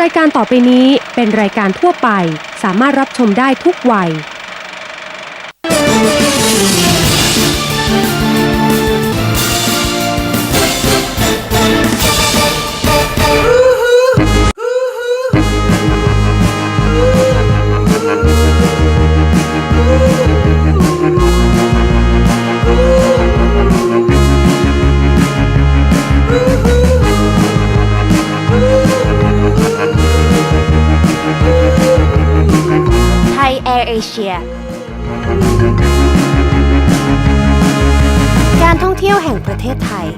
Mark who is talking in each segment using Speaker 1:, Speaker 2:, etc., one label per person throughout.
Speaker 1: รายการต่อไปนี้เป็นรายการทั่วไปสามารถรับชมได้ทุกวัย
Speaker 2: เอเชียการท่องเที่ยวแห่งประเทศไทย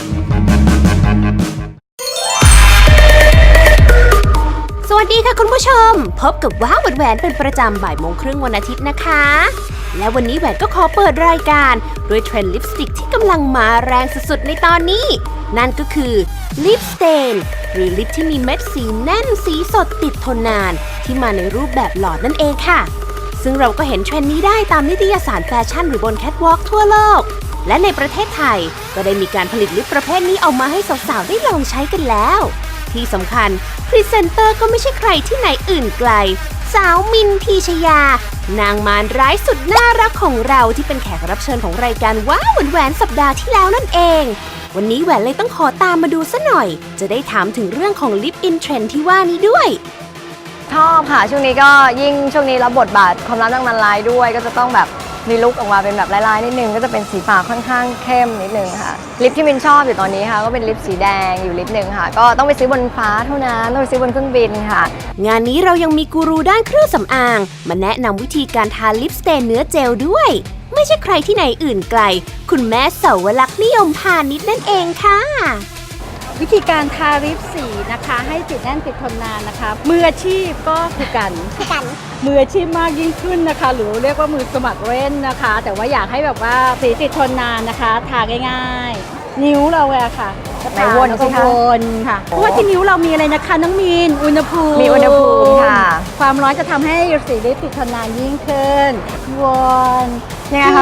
Speaker 2: สวัสดีค่ะคุณผู้ชมพบกับว้าวแหวนเป็นประจำบ่ายโมงครึ่งวันอาทิตย์นะคะและวันนี้แหวนก็ขอเปิดรายการด้วยเทรนด์ลิปสติกที่กำลังมาแรงสุดๆในตอนนี้นั่นก็คือลิปสเตนหรือลิปที่มีเม็ดสีแน่นสีสดติดทนนานที่มาในรูปแบบหลอดนั่นเองค่ะซึ่งเราก็เห็นเทรนด์นี้ได้ตามนิตยสารแฟชั่นหรือบนแคทวอล์กทั่วโลกและในประเทศไทยก็ได้มีการผลิตลิปประเภทนี้ออกมาให้สาวๆได้ลองใช้กันแล้วที่สำคัญพรีเซนเตอร์ก็ไม่ใช่ใครที่ไหนอื่นไกลสาวมินพีชยานางมารร้ายสุดน่ารักของเราที่เป็นแขกรับเชิญของรายการว้าวแหวนสัปดาห์ที่แล้วนั่นเองวันนี้แหวนเลยต้องขอตามมาดูซะหน่อยจะได้ถามถึงเรื่องของลิปอินเทรนด์ที่ว่านี้ด้วย
Speaker 3: ชอบค่ะช่วงนี้ก็ยิ่งช่วงนี้รับบทบาทความรักนางมารร้ายด้วยก็จะต้องแบบมีลุคออกมาเป็นแบบลายๆนิดนึงก็จะเป็นสีปากค่อนข้างเข้มนิดนึงค่ะลิปที่มินชอบอยู่ตอนนี้ค่ะก็เป็นลิปสีแดงอยู่ลิปนึงค่ะก็ต้องไปซื้อบนฟ้าเท่านั้นต้องไปซื้อบนเครื่องบินค่ะ
Speaker 2: งานนี้เรายังมีกูรูด้านเครื่องสำอางมาแนะนำวิธีการทาลิปสเตนเนื้อเจลด้วยไม่ใช่ใครที่ไหนอื่นไกลคุณแม่เสาวลักษณ์นิยมพาณิชย์นั่นเองค่ะ
Speaker 4: วิธีการทาลิปสีนะคะให้ติดแน่นติดทนนานนะคะมืออาชีพก็คือกันมืออาชีพมากยิ่งขึ้นนะคะหรือเรียกว่ามือสมัครเล่นนะคะแต่ว่าอยากให้แบบว่าสีติดทนนานนะคะทาง่ายๆนิ้วเราอะค่ะ
Speaker 3: ในวน
Speaker 4: สิคะวนค่ะเพราะว่าที่นิ้วเรามีอะไรนะคะน้องมีนอุณหภูมิ
Speaker 3: มีอุณหภูมิค่ะ
Speaker 4: ความร้อนจะทำให้สีลิปติดทนนานยิ่งขึ้นวน
Speaker 3: ยังไงคะ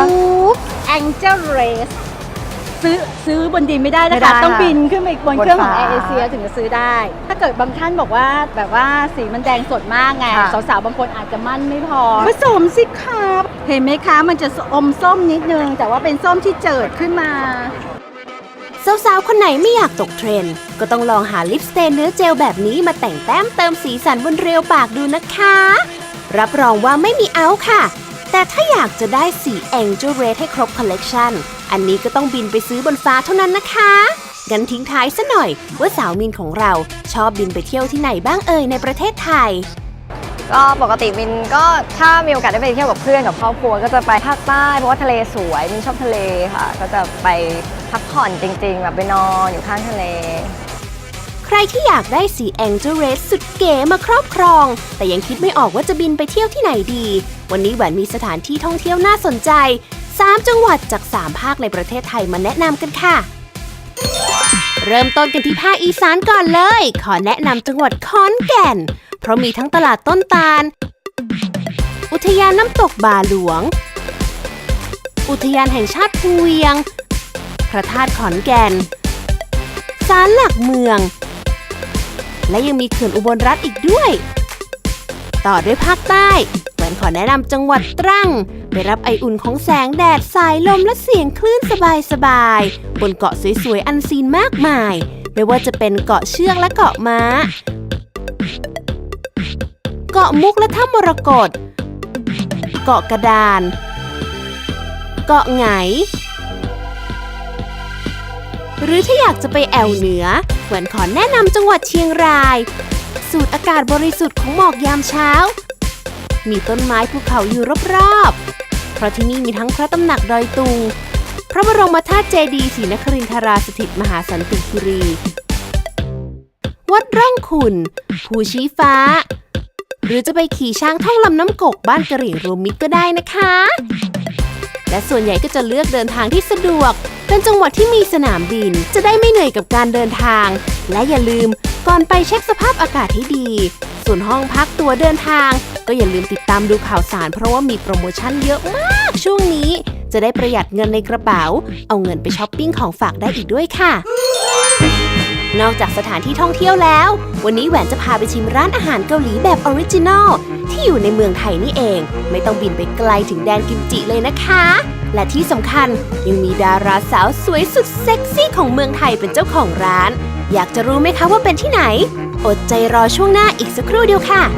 Speaker 4: Angel Raceซื้อบนดินไม่ได้นะคะต้องบินขึ้นไปบนเครื่องของแอร์เอเชียถึงจะซื้อได้ถ้าเกิดบางท่านบอกว่าแบบว่าสีมันแดงสดมากไงสาวๆบางคนอาจจะมั่นไม่พอผสมสิครับเห็นไหมคะมันจะอมส้มนิดนึงแต่ว่าเป็นส้มที่เจิดขึ้นมา
Speaker 2: สาวๆคนไหนไม่อยากตกเทรนด์ก็ต้องลองหาลิปสเตนเนื้อเจลแบบนี้มาแต่งแต้มเติมสีสันบนเรียวปากดูนะคะรับรองว่าไม่มีเอาค่ะแต่ถ้าอยากจะได้สี Angel Red ให้ครบคอลเลกชันอันนี้ก็ต้องบินไปซื้อบนฟ้าเท่านั้นนะคะงั้นทิ้งท้ายซะหน่อยว่าสาวมินของเราชอบบินไปเที่ยวที่ไหนบ้างในประเทศไทย
Speaker 3: ก็ปกติมินก็ถ้ามีโอกาสได้ไปเที่ยวกับเพื่อนกับครอบครัวก็จะไปภาคใต้เพราะว่าทะเลสวยมินชอบทะเลค่ะก็จะไปพักผ่อนจริงๆแบบไปนอนอยู่ข้างทะเล
Speaker 2: ใครที่อยากได้สี Angel Red สุดเก๋มาครอบครองแต่ยังคิดไม่ออกว่าจะบินไปเที่ยวที่ไหนดีวันนี้แหวนมีสถานที่ท่องเที่ยวน่าสนใจ3 จังหวัดจาก3 ภาคในประเทศไทยมาแนะนำกันค่ะเริ่มต้นกันที่ภาคอีสานก่อนเลยขอแนะนำจังหวัดขอนแก่นเพราะมีทั้งตลาดต้นตาลอุทยานน้ำตกบาหลวงอุทยานแห่งชาติภูเวียงพระธาตุขอนแก่นศาลหลักเมืองและยังมีเขื่อนอุบลรัตน์อีกด้วยต่อด้วยภาคใต้แหวนขอแนะนำจังหวัดตรังไปรับไออุ่นของแสงแดดสายลมและเสียงคลื่นสบายๆบนเกาะสวยๆอันซีนมากมายไม่ว่าจะเป็นเกาะเชือกและเกาะม้าเกาะมุกและถ้ำมรกตเกาะกระดานเกาะไหงหรือถ้าอยากจะไปแอวเหนือแหวนขอแนะนำจังหวัดเชียงรายสูดอากาศบริสุทธิ์ของหมอกยามเช้ามีต้นไม้ภูเขาอยู่รอบๆเพราะที่นี่มีทั้งพระตำหนักดอยตุงพระบรมธาตุเจดีย์ศรีนครินทราสถิตมหาสันติคีรีวัดร่องขุ่นภูชี้ฟ้าหรือจะไปขี่ช้างท่องลำน้ำกกบ้านกะเหรี่ยงรวมมิตรก็ได้นะคะและส่วนใหญ่ก็จะเลือกเดินทางที่สะดวกเป็นจังหวัดที่มีสนามบินจะได้ไม่เหนื่อยกับการเดินทางและอย่าลืมก่อนไปเช็คสภาพอากาศให้ดีส่วนห้องพักตั๋วเดินทางก็อย่าลืมติดตามดูข่าวสารเพราะว่ามีโปรโมชั่นเยอะมากช่วงนี้จะได้ประหยัดเงินในกระเป๋าเอาเงินไปช้อปปิ้งของฝากได้อีกด้วยค่ะนอกจากสถานที่ท่องเที่ยวแล้ว วันนี้แหวนจะพาไปชิมร้านอาหารเกาหลีแบบออริจินัลที่อยู่ในเมืองไทยนี่เอง ไม่ต้องบินไปไกลถึงแดนกิมจิเลยนะคะ และที่สำคัญยังมีดาราสาวสวยสุดเซ็กซี่ของเมืองไทยเป็นเจ้าของร้าน อยากจะรู้ไหมคะว่าเป็นที่ไหน อดใจรอช่วงหน้าอีกสักครู่เดียวค่ะ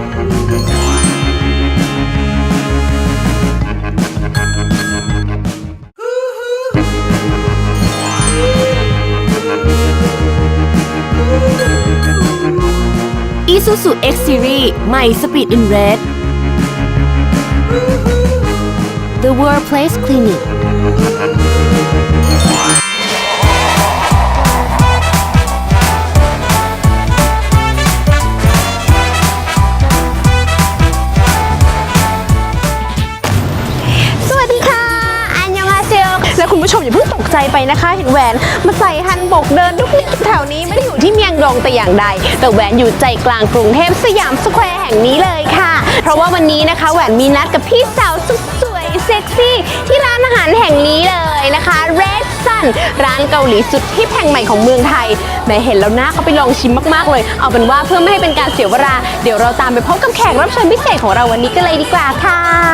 Speaker 2: Isuzu X Series ใหม่ Speed in Red The Workplace Clinic
Speaker 5: สวัสดีค่ะอันยองฮาเซลและคุณผู้ชมอย่าเพิ่งตกใจไปนะคะ เห็นแหวนมาใส่ฮันบกเดินทุกแถวนี้ไม่ได้อยู่ที่เมียงดงแต่อย่างใดแต่แหวนอยู่ใจกลางกรุงเทพสยามสแควร์แห่งนี้เลยค่ะ เพราะว่าวันนี้นะคะแหวนมีนัดกับพี่สาวสุดสวยเซ็กซี่ที่ร้านอาหารแห่งนี้เลยนะคะ Red Sun ร้านเกาหลีสุดฮิปแห่งใหม่ของเมืองไทยแม้เห็นแล้วนะเขาไปลองชิมมากๆเลยเอาเป็นว่าเพื่อไม่ให้เป็นการเสียเวลาเดี๋ยวเราตามไปพบกับแขกรับเชิญพิเศษของเราวันนี้กันเลยดีกว่าค่ะ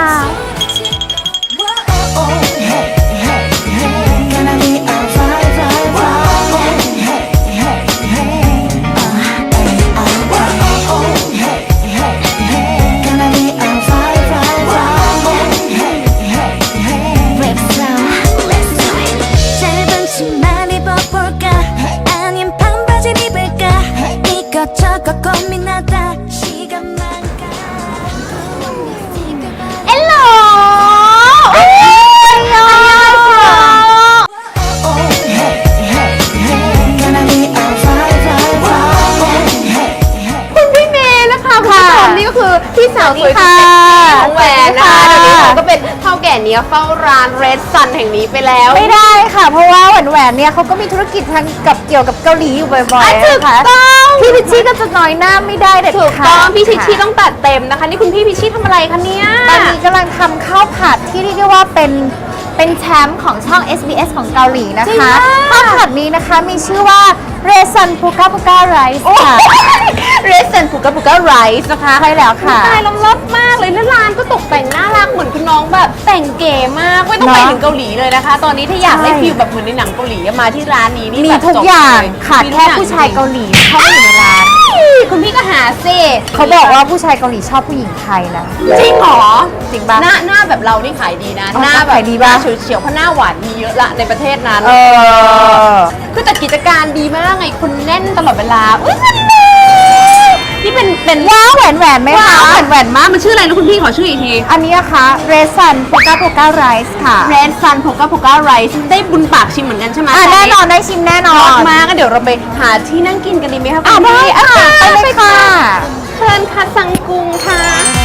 Speaker 5: พี่สาวสวยสุดเซ็กซี่ของแหวนนะคะเดี๋ยวนี้เราก็เป็นเท่าแก่เนี้ยเฝ้าร้าน Red Sun แห่งนี้ไปแล้ว
Speaker 3: ไม่ได้ค่ะ เพราะว่าแหวนเนี่ยเขาก็มีธุรกิจทางกับเกี่ยวกับเกาหลีอยู่บ่อยๆนะคะพี่พิชชี่ก็จะน้อยหน้าไม่ได้เด็ดขาดถูก
Speaker 5: ต้องพี่พิชชี่ต้องตัดเต็มนะคะนี่คุณพี่พิชชี่ทำอะไรคะเนี่ย
Speaker 3: ตอนนี้กำลังทำข้าวผัดที่เรียกได้ว่าเป็นแชมป์ของช่อง SBS ของเกาหลีนะคะข้าวผัดนี้นะคะมีชื่อว่า Red Sun Puka Puka Rice ค่ะ
Speaker 5: Red Sun Puka Puka Rice นะคะ
Speaker 3: ใช่แล้วค่ะ
Speaker 5: ตายล้ำลับมากเลยแล้วร้านก็ตกแต่งน่ารักเหมือนคุณน้องแบบแต่งเก๋มากไม่ต้องไปถึงเกาหลีเลยนะคะ ตอนนี้ถ้าอยากได้ฟิลแบบเหมือนในหนังเกาหลีมาที่ร้านนี้นี่
Speaker 3: มีทุกอย่างขาดแค่ผู้ชายเกาหลีเข้ามาอยู่ในร้าน
Speaker 5: คุณพี่ก็หาซิ
Speaker 3: เขาบอกว่าผู้ชายเกาหลีชอบผู้หญิงไทยนะ
Speaker 5: จริงเหรอ
Speaker 3: จริงป่ะ
Speaker 5: หน้าแบบเรานี่ขายดีนะหน้าแบบ
Speaker 3: ขายดีป่ะ
Speaker 5: เฉียวๆเพราะหน้าหวานมีเยอะละในประเทศนั้นคือแต่กิจการดีมากไงคุณแน่นตลอดเวลาอุ้ยนี่เป็น
Speaker 3: ว้าวแหวนไหมคะ
Speaker 5: แหวนมากมันชื่ออะไรนะคุณพี่ขอชื่ออีกที
Speaker 3: อันนี้นะคะ Red Sun Puka Puka Rice ค่ะ
Speaker 5: Red Sun Puka Puka Rice ได้บุญปากชิมเหมือนกันใช่ไหม
Speaker 3: แน่นอนได้ชิมแน่นอน
Speaker 5: มาก็เดี๋ยวเราไปหาที่นั่งกินกันดีไหมคะคุณ
Speaker 3: พี่ไปเลยค่ะ
Speaker 5: เชิญค่ะสังกุงค่ะ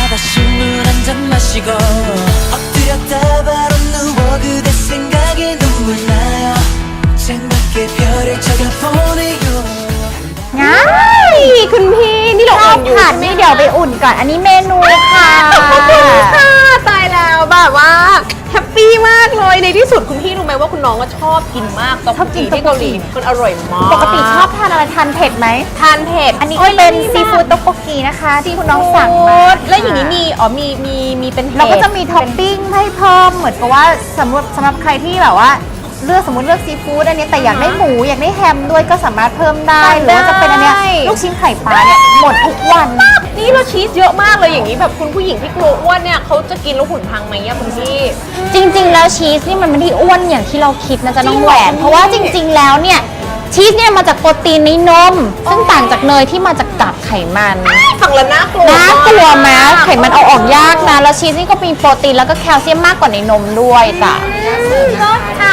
Speaker 3: ง่าย
Speaker 5: คุณพี่นี่เรา
Speaker 3: อุ่นอยู่นี่เดี๋ยวไปอุ่นก่อนอันนี้เมนูค่ะ
Speaker 5: ขอบคุณค่ะตายแล้วแบบว่าแฮปปี้มากเลยในที่สุดคุณพี่รู้ไหมว่าคุณน้องก็ชอบกินมากชอบกินที่เกาหลีมันอร่อยมาก
Speaker 3: ปกติชอบทานอะไรทานเผ็ดไหม
Speaker 5: ทานเผ็ด
Speaker 3: อันนี้เป็นซีฟู้ดต๊อกโกกีนะคะที่คุณน้องสั่งมา
Speaker 5: แล้วอย่างนี้มีเป็น
Speaker 3: เราก็จะมีท็อปปิ้งให้เพิ่มเหมือนกับว่าสำหรับใครที่แบบว่าสมมติเลือกซีฟู้ดอันนี้แต่อยากได้หมูอยากได้แฮมด้วยก็สามารถเพิ่มได้หรือว่าจะเป็นอันเนี้ยลูกชิ้นไข่ปลาเนี่ยหมดทุกวัน
Speaker 5: นี่เราชีสเยอะมากเลยอย่างนี้แบบคุณผู้หญิงที่กลัวอ้วนเนี่ยเขาจะกินแล้วหุ่นพังไหมอะคุณพี่
Speaker 3: จริงๆแล้วชีสนี่มันไม่ได้อ้วนอย่างที่เราคิดนะจ๊ะน้องแหวนเพราะว่าจริงๆแล้วเนี่ยชีสเนี่ยมาจากโปรตีนในนมซึ่งต่างจากเนยที่มาจากกากไขมัน
Speaker 5: ฟังแล้วน่ากลัว
Speaker 3: ไหมไขมันเอาออกยากนะแล้วชีสนี่ก็มีโปรตีนแล้วก็แคลเซียมมากกว่าในนมด้วยจ้ะ
Speaker 5: ค่ะ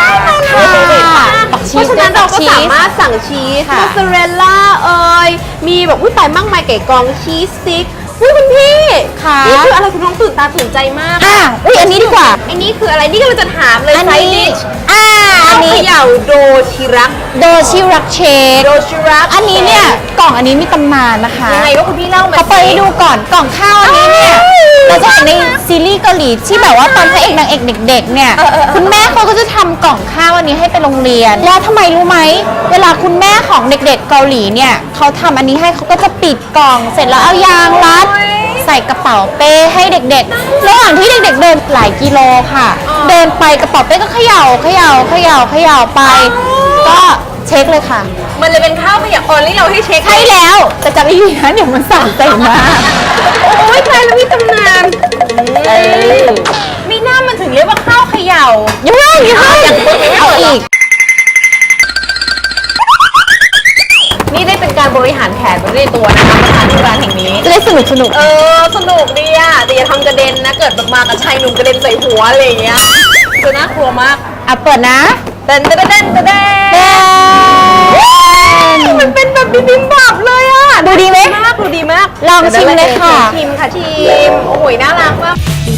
Speaker 5: เพราะฉะนั้นเราก็สามารถสั่งชีสมอสซาเรลล่ามีแบบอุ้ยตายมากมายไก่กองชีสสติ๊กอุ้ยคุณพี่นี่คืออะไรคุณน้องตื่นตาตื่นใจมาก
Speaker 3: อุ้ยอันนี้ดีกว่า
Speaker 5: อันนี้คืออะไรนี่ก็เราจะถามเลยไซดิชอันนี้
Speaker 2: เขย่าโดชิรัก
Speaker 5: โดชิรักเชค
Speaker 2: โดชิรัก
Speaker 5: อันนี้เนี่ยกล่องอันนี้มีตำนานนะคะ
Speaker 2: ยังไงว่าคุณพี่เล่ามา
Speaker 5: เขาเปิดให้ดูก่อนกล่องข้าวอันนี้เนี่ยเราจะเห็นในซีรีส์เกาหลีที่แบบว่าตอนพระเอกนางเอกเด็กๆเนี่ยคุณแม่เขาก็จะทำกล่องข้าวอันนี้ให้ไปโรงเรียนแล้วทำไมรู้ไหมเวลาคุณแม่ของเด็กๆเกาหลีเนี่ยเขาทำอันนี้ให้เขาก็จะปิดกล่องเสร็จแล้วเอายางรัดใส่กระเป๋าเป้ให้เด็กๆระหว่างที่เด็กๆเดินหลายกิโลค่ะ เดินไปกระเป๋าเป้ก็เขย่าไป ก็เช็คเลยค่ะ
Speaker 2: มันเลยเป็นข้าวขยะออนที่เราให้เช็ค
Speaker 5: ใช่แล้วแต่จำไม่ดีนะเดี๋ยวมันสั่นใจมาก
Speaker 2: โอ้ยใครแล้วมีตำนานมีหน้ามันถึงเรียกว่าข้าวเขย่า
Speaker 5: ยังไม่เอาอีก
Speaker 2: นี่ได้เป็นการบริหารแขนไปในตัวนะคะมาทานที่ร้านแห่งนี้
Speaker 5: จะได้สนุก
Speaker 2: สนุกดีอะแต่อย่าทำกระเด็นนะ เกิดแบบมากับชายหนุ่มกระเด็นใส่หัวอะไรอย่างเงี้ยคือน่ากลัวมาก
Speaker 5: อ่ะเปิดนะ
Speaker 2: เต้นมันเป็นแบบบิบิมบับเลยอะ
Speaker 5: ดูดีไหม
Speaker 2: ดูดีมาก
Speaker 5: ลองชิมเลยค่ะ
Speaker 2: ชิมค่ะชิมโอ้โหน่ารักมาก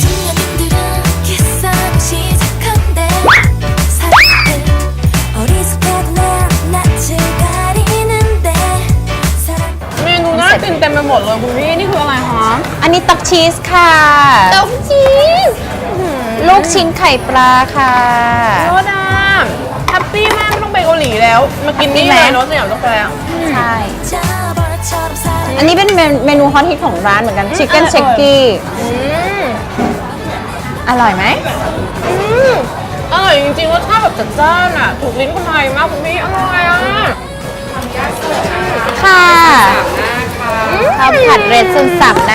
Speaker 2: เมนูน่ากินเต็มไปหมดเลยคุณพี่นี่คืออะไรคะ
Speaker 5: อันนี้ตักชีสค่ะ
Speaker 2: เต้าชีส
Speaker 5: ลูกชิ้นไข่ปลาค่ะ
Speaker 2: โคตรอ่ะแฮปปี้มากไม่ต้องไปเกาหลีแล้ว มากินนี่เลยเนาะสยามสแควร์
Speaker 5: ใช่ อันนี้เป็นเมนูฮอตฮิตของร้านเหมือนกันชิคเก้นเชคกี้อร่อยไหม
Speaker 2: อร่อยจริงๆรสชาติแบบจัดจ้านอ่ะ ถูกลิ้นคนไทยมากคุณพี่อร่อยอ่ะ
Speaker 5: ค่ะข้าวผัดเรดซุนสับนะ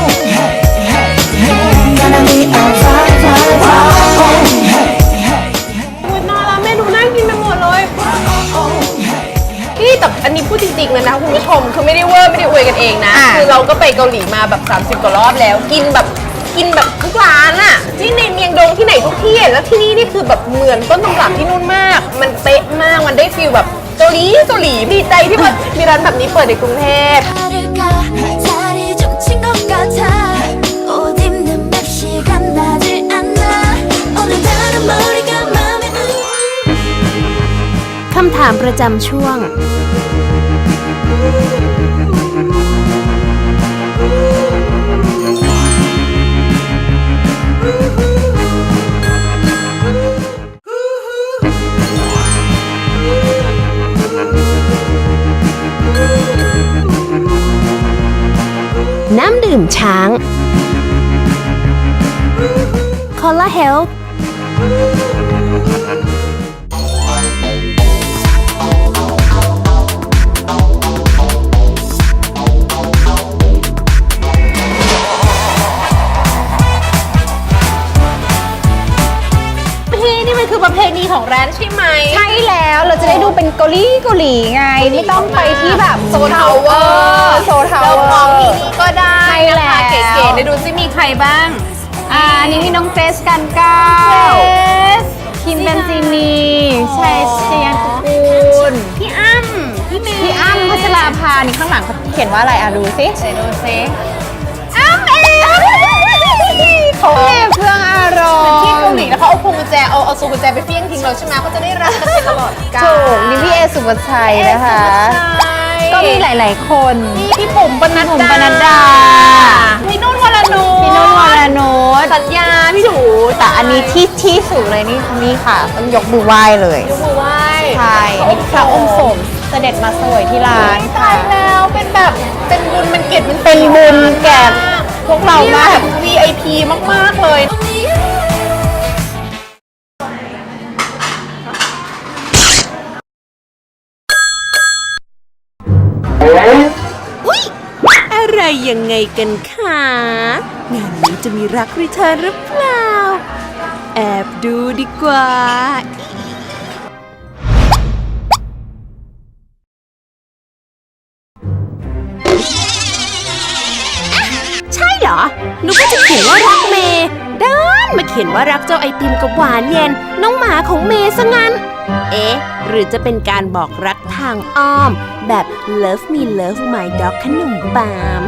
Speaker 2: คุณน่ารักเมนูน่ากินไปหมดเลยพี่แต่อันนี้พูดจริงๆเลยนะคุณผู้ชมคือไม่ได้เวอร์ไม่ได้อวยกันเองนะ คือเราก็ไปเกาหลีมาแบบ30 กว่ารอบแล้ว กินแบบทุกร้านอะที่ในเมียงดงที่ไหนทุกที่อะแล้วที่นี่คือแบบเหมือนต้นตำรับที่นู่นมาก มันเป๊ะมากมันได้ฟีลแบบเกาหลีดีใจที่มันมีร้านแบบนี้เปิดในกรุงเทพ
Speaker 6: คำถามประจำช่วง น้ำดื่มช้าง คอลลาเฮลท์
Speaker 2: พี่นี่มันคือประเพณีของร้านใช่ไหม
Speaker 5: ใช่แล้วเราจะได้ดูเป็นเกาหลีไง ไม่ต้องไปที่แบบโซทาวเวอร์
Speaker 2: เราของที่นี่ก็ได้
Speaker 5: ใช่
Speaker 2: นะ
Speaker 5: แล้
Speaker 2: คะ
Speaker 5: ว
Speaker 2: เก๋ๆเดี๋ยวดูซิมีใครบ้าง
Speaker 5: อันนี้มีน้องเกรซกันก้า คิมเบนซินีชัยเชียนกูล
Speaker 2: พี่อ้ำพี่เมย์
Speaker 5: พี่อ้ำพัชราภานี่ข้างหลังเขาเขียนว่าอะไรอ่ะดูสิ
Speaker 2: เดี๋ยวดูซิ
Speaker 5: อ้ำเองเขาเก็บเครื่องอารม
Speaker 2: ที่
Speaker 5: ณ์
Speaker 2: เกาหลีแล้วเขาเอาพวงกุญแจเอาซูกุญแจไปเฟี้ยงทิ้งเราใช่ไหมเขาจะได้รักกันไปตลอดกาล
Speaker 5: ถูกนี่พี่เอสุภชัยนะคะ ก็มีหลาย ๆ คน
Speaker 2: พี่ปุ๋มปนัด
Speaker 5: ผมปนัดดา
Speaker 2: พี่นุ่นวรนุช
Speaker 5: พี่นุ่นวรนุช
Speaker 2: สัญญาพี่ดู
Speaker 5: แต่อันนี้ที่สุดเลยนี่ค่ะต้องยกมือไหว้เลย
Speaker 2: ยกมือไหว้
Speaker 5: ใช่นี่พระองค์สมเสด็จมาเสวยที่ร้าน
Speaker 2: ตา
Speaker 5: ค่ะ
Speaker 2: ยแล้วเป็นแบบเป็นบุญมันเกียรติมัน
Speaker 5: เป็นบุญแก่พวกเรามาก
Speaker 2: แบบ VIP มากๆเลย
Speaker 6: อะไรยังไงกันคะงานนี้จะมีรักรีเทิร์นหรือเปล่า แอบดูดีกว่า ใช่เหรอนึกว่าจะเขียนว่ารักเมย์ด้านมาเขียนว่ารักเจ้าไอติมกับหวานเย็น น้องหมาของเมย์ซะงั้น เอ๊ะ หรือจะเป็นการบอกรักทางอ้อม แบบ Love me love my dog ขนมปาล์ม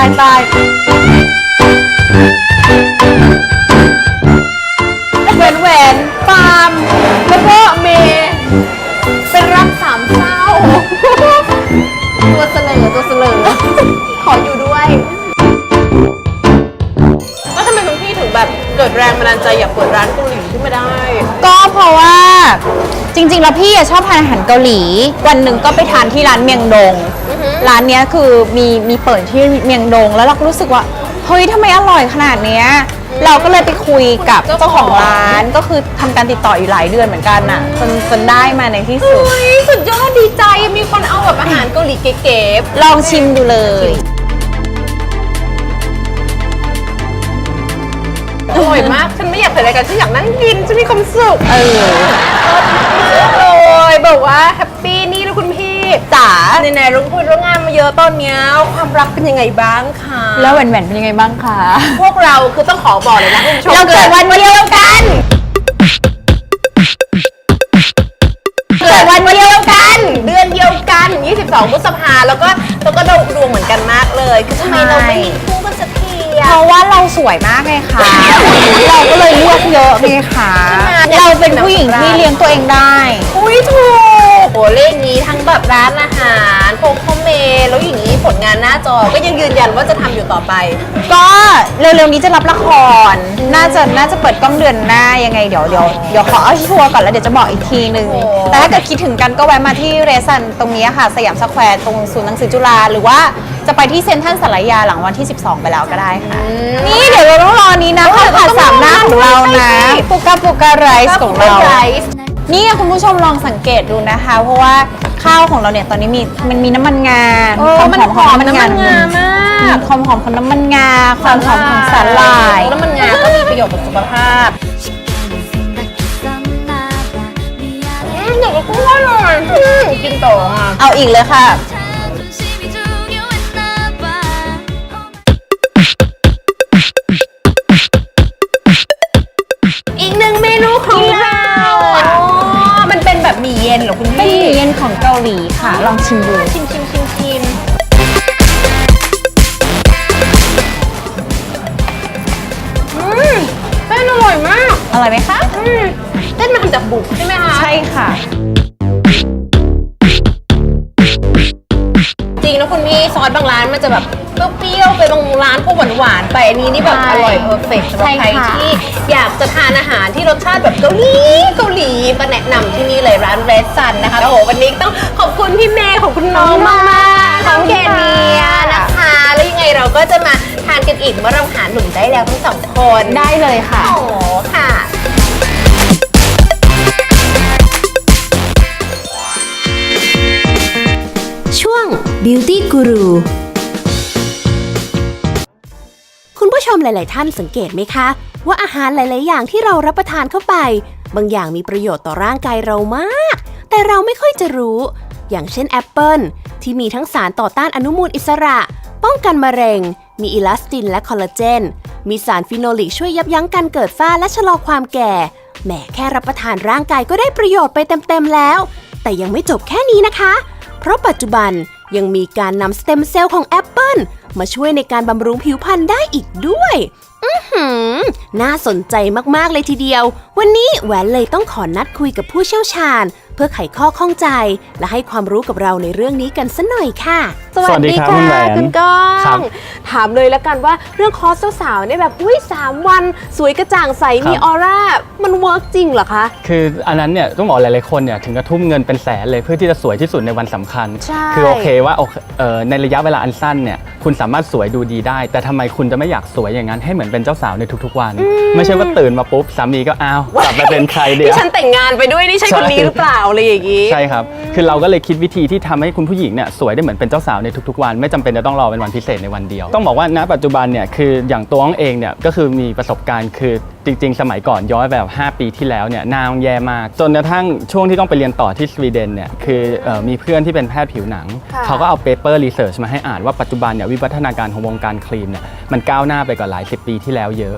Speaker 3: ตายแหวนปาล์มแล้วก็เมย์เป็นรักสามเศร้าตัวเสลอขออยู่ด้วย
Speaker 6: แล้วทำไมคุณพี่ถึงแบบเกิดแรงบันดาลใจอยากเปิดร้านเกาหลีขึ้นมาได้
Speaker 5: ก็เพราะว่าจริงๆแล้วพี่ชอบทานอาหารเกาหลี วันหนึ่งก็ไปทานที่ร้านเมียงดง ร้านเนี้ยคือมีเปิดที่เมียงดง แล้วเราก็รู้สึกว่าเฮ้ยทำไมอร่อยขนาดเนี้ยเราก็เลยไปคุยกับเจ้าของร้านก็คือทำการติดต่ออยู่หลายเดือนเหมือนกันน่ะจนได้มาในที่สุด
Speaker 6: สุดยอดดีใจมีคนเอาแบบอาหารเกาหลีเก๋ๆ
Speaker 5: ลองชิมดูเลย
Speaker 6: อร่อยมาก ฉันไม่อยากเปิดรายการฉันอยากนั่งกินฉันมีความสุขเลยบอกว่าแฮปปี้นี่นะคุณพี่จ๋าไหนๆรู้พูดเรื่องงานมาเยอะตอนเนี้ยความรักเป็นยังไงบ้างคะ
Speaker 5: แล้วแหวนเป็นยังไงบ้างคะ
Speaker 6: พวกเราคือต้องขอบอกเลยนะคุณผู้ชม
Speaker 5: เราเกิดวันเดียวกันเกิดวันเดียวกัน
Speaker 6: เดือนเดียวกัน 22 พฤษภาแล้วก็ดวงเหมือนกันมากเลยคือทำไมเราไม่มีคู่กันสักที
Speaker 5: เพราะว่าเราสวยมากเลยค่ะ เราก็เลยเลือกเยอะไงคะเราเป็นผู้หญิงที่เลี้ยงตัวเองได้
Speaker 6: อุ้ยถูกโหเลขนี้ทั้งแบบร้านอาหารโคโคเมแล้วอย่างนี้ผลงานหน้าจอก็ยังยืนยันว่าจะทำอยู่ต่อไป
Speaker 5: ก็เร็วๆนี้จะรับละคร น่าจะเปิดกล้องเดือนหน้ายังไงเดี๋ยวขอเอาชัวร์ก่อนแล้วเดี๋ยวจะบอกอีกทีนึง แต่ถ้าเกิดคิดถึงกันก็แวะมาที่เรซันตรงนี้ค่ะสยามสแควร์ตรงศูนย์หนังสือจุฬาหรือว่าจะไปที่เซ็นทรัลสารยาหลังวันที่ 12 ไปแล้วก็ได้ค่ะ นี่เดี๋ยวเราต้องรอนี้นะข้าวผัดสามหน้าของเรานะปุกาไรซ์ของเรา นี่คุณผู้ชมลองสังเกตดูนะคะ เพราะว่าข้าวของเราเนี่ยตอนนี้มันมีน้ำมันงาความหอมของน้ำมันงามากความหอมของน้ำมันงาความหอมของสาหร่าย
Speaker 6: น้ำมันงาก็มีประโยชน์ต่อสุขภาพเดี๋ยวก็คุ้มเลยกินต่ออ่ะ
Speaker 5: เอาอีกเลยค่ะ
Speaker 6: อีกหนึ่งเมนูของเรามันเป็นแบบหมี่เย็นเหรอคุณ
Speaker 5: เป็น
Speaker 6: พี่
Speaker 5: หมี่เย็นของเกาหลีค่ะ ลองชิมดู
Speaker 6: ชิมเส้นอร่อยมาก
Speaker 5: อร่อยไหมคะ
Speaker 6: เส้นมันทำจากบุกใช่ไหมคะ
Speaker 5: ใช่ค่ะ
Speaker 6: จริงนะคุณพี่ซอสบางร้านมันจะแบบเปรี้ยวๆไปบางร้านก็หวานๆไปอันนี้นี่แบบ
Speaker 5: ใช่
Speaker 6: อร่อยเพอร์เฟกต์สำหรับ
Speaker 5: ใช่
Speaker 6: ใคร
Speaker 5: ค่ะ
Speaker 6: ที่อยากจะทานอาหารที่รสชาติแบบเกาหลีมาแนะนำที่นี่เลยร้านเรสซันนะคะโอ้โหวันนี้ต้องขอบคุณพี่เมย์ของคุณน้องมากๆน้องเกเนียนะคะแล้วยังไงเราก็จะมาทานกันอีกเมื่อเราหาหนุ่มได้แล้วทั้งสองคน
Speaker 5: ได้เลยค่ะ
Speaker 6: โอ้ค่ะ
Speaker 2: ช่วง Beauty Guru คุณผู้ชมหลาย ๆ ท่านสังเกตไหมคะ ว่าอาหารหลาย ๆ อย่างที่เรารับประทานเข้าไป บางอย่างมีประโยชน์ต่อร่างกายเรามาก แต่เราไม่ค่อยจะรู้ อย่างเช่นแอปเปิลที่มีทั้งสารต่อต้านอนุมูลอิสระ ป้องกันมะเร็ง มีอิลาสตินและคอลลาเจน มีสารฟีโนลิกช่วยยับยั้งการเกิดฝ้าและชะลอความแก่แหมแค่รับประทานร่างกายก็ได้ประโยชน์ไปเต็ม ๆ แล้ว แต่ยังไม่จบแค่นี้นะคะ เพราะปัจจุบันยังมีการนำสเต็มเซลล์ของแอปเปิลมาช่วยในการบำรุงผิวพรรณได้อีกด้วยน่าสนใจมากๆเลยทีเดียว วันนี้แหวนเลยต้องขอนัดคุยกับผู้เชี่ยวชาญ เพื่อไขข้อข้องใจ และให้ความรู้กับเราในเรื่องนี้กันสักหน่อยค่ะ
Speaker 7: สวัสดีครับคุณแหวน
Speaker 6: คุณก้อ
Speaker 7: ครับ
Speaker 6: งถามเลยแล้วกันว่าเรื่องคอร์สสาวๆเนี่ยแบบอุ้ย3 วันสวยกระจ่างใสมีออร่ามันเวิร์กจริงเหรอคะ
Speaker 7: คืออันนั้นเนี่ยต้องบอกหลายๆคนเนี่ยถึงกระทุ่มเงินเป็นแสนเลยเพื่อที่จะสวยที่สุดในวันสำคัญ
Speaker 6: ใช่
Speaker 7: คือโอเคว่าในระยะเวลาอันสั้นเนี่ยคุณสามารถสวยดูดีได้ แต่ทำไมคุณจะไม่อยากสวยอย่างนั้นให้เหมือนเป็นเจ้าสาวในทุกๆวัน ไม่ใช่ว่าตื่นมาปุ๊บสามีก็อ้าวกลับมาเป็นใครเดียว
Speaker 6: ที่ฉันแต่งงานไปด้วยนี่ใช่คนนี้หรือเปล่าอะไรอย่างงี้
Speaker 7: ใช่ครับ คือเราก็เลยคิดวิธีที่ทำให้คุณผู้หญิงเนี่ยสวยได้เหมือนเป็นเจ้าสาวในทุกๆวันไม่จำเป็นจะต้องรอเป็นวันพิเศษในวันเดียว ต้องบอกว่าณปัจจุบันเนี่ยคืออย่างตัวน้องเองเนี่ยก็คือมีประสบการณ์คือจริงๆ สมัยก่อนย้อนแบบ5 ปีที่แล้วเนี่ยหน้าแย่มากจนกระทั่งช่วงที่ต้องไปเรียนต่อที่สวีเดนเนี่ยคือมีเพื่อนที่เป็นแพทย์ผิวหนัง
Speaker 6: ค่ะ
Speaker 7: เขาก็เอาเปเปอร์รีเสิร์ชมาให้อ่านว่าปัจจุบันเนี่ยวิวัฒนาการของวงการครีมเนี่ยมันก้าวหน้าไปกว่าหลาย10 ปีที่แล้วเยอะ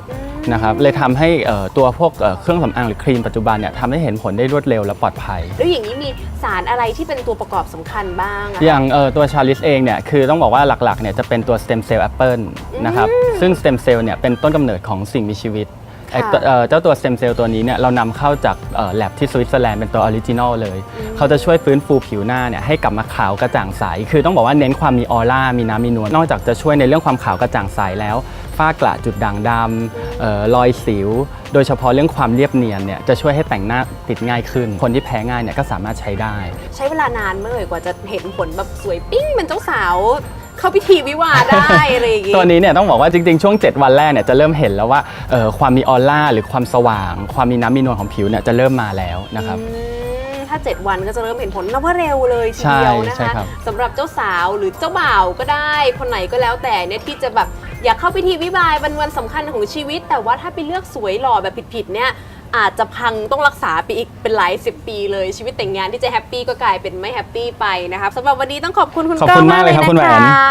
Speaker 7: นะครับเลยทำให้ตัวพวกเครื่องสำอางหรือครีมปัจจุบันเนี่ยทำให้เห็นผลได้รวดเร็วและปลอดภัย
Speaker 6: แล้วอย่างนี้มีสารอะไรที่เป็นตัวประกอบสำคัญบ้างอะ
Speaker 7: อย่างตัวชาลิสเองเนี่ยคือต้องบอกว่าหลักๆเนี่ยจะเป็นตัวสเต็มเซลล์แอปเปิลนะครับซึ่งสเต็มเซลล์เนี่ยเป็นต้นกำเนิดของสิ่งมีชีวิตเจ้าตัวสเต็มเซลล์ตัวนี้เนี่ยเรานำเข้าจากแลบที่สวิตเซอร์แลนด์เป็นตัวออริจินอลเลยเขาจะช่วยฟื้นฟูผิวหน้าเนี่ยให้กลับมาขาวกระจ่างใสคือต้องบอกว่าเน้นความมีออร่ามีน้ำมีนวลนอกจากจะช่วยในเรื่องความขาวกระจ่างใสแล้วฝ้ากระจุดด่างดำรอยสิวโดยเฉพาะเรื่องความเรียบเนียนเนี่ยจะช่วยให้แต่งหน้าติดง่ายขึ้นคนที่แพ้ง่ายเนี่ยก็สามารถใช้ได้
Speaker 6: ใช้เวลานานเมื่อไหร่กว่าจะเห็นผลแบบสวยปิ้งเป็นเจ้าสาวเข้าพิธีวิวาห์ได้อะไรอย่างงี้
Speaker 7: ตัวนี้เนี่ยต้องบอกว่าจริงๆช่วง7วันแรกเนี่ยจะเริ่มเห็นแล้วว่าความมีออร่าหรือความสว่างความมีน้ำมีนวลของผิวเนี่ยจะเริ่มมาแล้วนะครับ
Speaker 6: ถ้า 7 วันก็จะเริ่มเห็นผลนับว่าเร็วเลยทีเดียวนะ
Speaker 7: ใช่
Speaker 6: คะ
Speaker 7: ครับ
Speaker 6: สำหรับเจ้าสาวหรือเจ้าบ่าวก็ได้คนไหนก็แล้วแต่เนี่ยที่จะแบบอยากเข้าพิธีวิวาห์วันสำคัญของชีวิต แต่ว่าถ้าไปเลือกสวยหล่อแบบผิดๆเนี่ยอาจจะพังต้องรักษาไปอีกเป็นหลาย10 ปีเลยชีวิตแต่งงานที่จะแฮปปี้ก็กลายเป็นไม่แฮปปี้ไปนะครับสำหรับวันนี้ต้องขอบคุณคุณ
Speaker 7: ขอบ
Speaker 6: ก้อ
Speaker 7: คุ
Speaker 6: ง
Speaker 7: ณ
Speaker 6: มาม
Speaker 7: าก ก
Speaker 6: เล
Speaker 7: เลย ยครับคุณแหวน
Speaker 6: นะคะ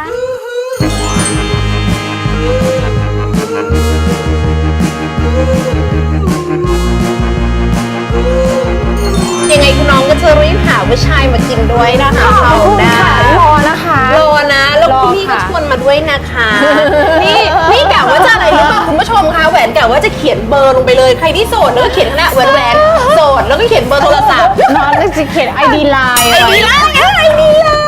Speaker 6: ยังไงคุณน้องก็จะรีบหาผู้ชายมากินด้วยนะคะเขาได้
Speaker 3: รอนะคะ
Speaker 6: รอนะแล้ว
Speaker 3: รอ
Speaker 6: คุณพี่ก็
Speaker 3: ค่ะ
Speaker 6: ชวนมาด้วยนะคะ นี่กะว่าจะอะไรรู้ป่ะคุณผู้ชมคะแหวนกะว่าจะเขียนเบอร์ลงไปเลยใครที่โสดแล้วก็เขียนข้างหน้าแหวนโสดแล้วก็เขียนเบอร์โทรศัพท์
Speaker 3: น้องจะเขียนไอดีไลน์
Speaker 6: ไอดีไลน์